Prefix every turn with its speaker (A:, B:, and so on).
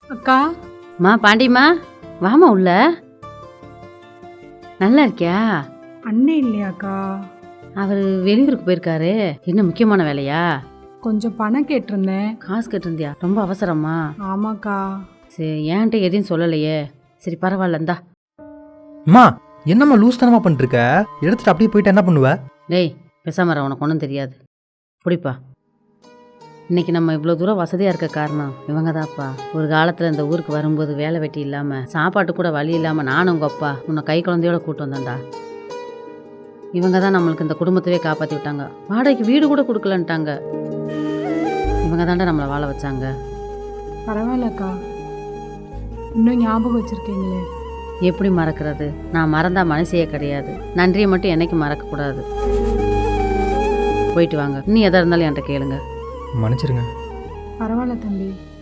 A: அக்கா.
B: பாண்டிமா, வாமா உள்ள. நல்லா இருக்கியா?
A: அண்ணே இல்லையாக்கா?
B: அவர் வெளியூருக்கு போயிருக்காரு. என்ன முக்கியமான வேலையா?
A: கொஞ்சம் பணம் கேட்டிருந்தேன்.
B: காசு கேட்டிருந்தியா? ரொம்ப அவசரமா?
A: ஆமாக்கா.
B: சரி, என்கிட்ட எதையும் சொல்லலையே. சரி பரவாயில்ல, இந்தா.
C: அம்மா, என்னம்மா லூஸ் தனமா பண்ணிருக்க? எடுத்துட்டு அப்படியே போயிட்டு என்ன பண்ணுவ?
B: டேய் பெசாமர, உனக்கு ஒன்றும் தெரியாது. பிடிப்பா. இன்னைக்கு நம்ம இவ்வளோ தூரம் வசதியாக இருக்க காரணம் இவங்க தான்ப்பா. ஒரு காலத்தில் இந்த ஊருக்கு வரும்போது வேலை வெட்டி இல்லாமல் சாப்பாட்டு கூட வழி இல்லாமல் நானும் உங்கள் அப்பா உன்னை கை குழந்தையோட கூட்டு வந்தேன்டா. இவங்க தான் நம்மளுக்கு இந்த குடும்பத்தவே காப்பாற்றி விட்டாங்க. வாடகைக்கு வீடு கூட கொடுக்கலன்ட்டாங்க. இவங்க தாண்டா நம்மளை வாழ வச்சாங்க.
A: பரவாயில்லக்கா, இன்னும் ஞாபகம் வச்சிருக்கீங்களே.
B: எப்படி மறக்கிறது? நான் மறந்தா மனசையே கிடையாது. நன்றியை மட்டும் என்னைக்கு மறக்கக்கூடாது. போயிட்டு வாங்க. இன்னும் எதாக இருந்தாலும் என்கிட்ட கேளுங்க.
C: மன்னிச்சிருங்க.
A: பரவாயில்ல தம்பி.